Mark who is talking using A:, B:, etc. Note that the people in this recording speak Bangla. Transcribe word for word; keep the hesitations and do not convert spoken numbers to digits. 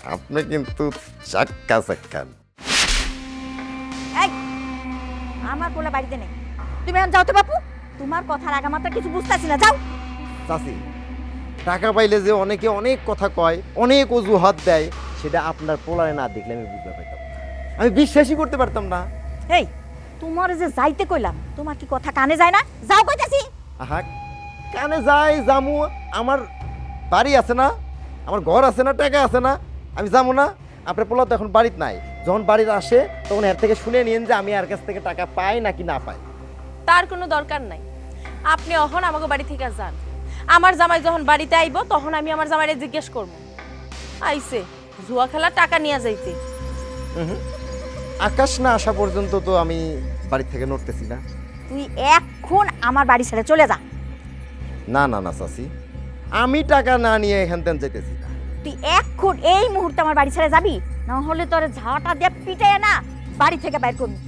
A: আপনি কিন্তু চাক্কা চাক্কান।
B: এই আমার পোলা বাড়িতে নেই, তুমি এখন যাও তো বাপু। তোমার কথার আগামাত্রা কিছু বুঝতেছি না, যাও।
A: চাচি, টাকা পাইলে যে অনেকে অনেক কথা কয়, অনেক অজুহাত দেয়, সেটা আপনার পোলারে না দেখলে আমি বুঝতে পারতাম না, আমি বিশ্বাসই করতে পারতাম না।
B: এই তোমার যে যাইতে কইলাম, তোমার কি কথা কানে যায় না? যাও কইতাছি।
A: আহা, কানে যাই জামু, আমার বাড়ি আছে না, আমার ঘর আছে না, টাকা আছে না, আমি যাবো না? আপনার পোলা তো এখন বাড়িতে নাই, যখন বাড়িতে আসে তখন এর থেকে শুনে নিন যে আমি এর কাছ থেকে টাকা পাই নাকি না পাই।
C: তার কোনো দরকার নাই, আপনি অহন আমাকে বাড়ি থেকে যান। আমার জামাই যখন বাড়িতে আইব তখন আমি আমার জামাইরে জিজ্ঞেস করব, আইছে জুয়া খেলার টাকা নিয়ে যাইতে।
A: হুম, আকাশ না আসা পর্যন্ত তো আমি বাড়ি থেকে নড়তেছি না।
B: তুই এখন আমার বাড়ি ছেড়ে চলে যা।
A: না না না চাচি, আমি টাকা না নিয়ে এখান থেকে যেতেছি না।
B: তুই এখন এই মুহূর্তে আমার বাড়ি ছেড়ে যাবি, না হলে তোর ঝাঁটা দিয়ে পিটাইয়া না বাড়ি থেকে বাইর করবি।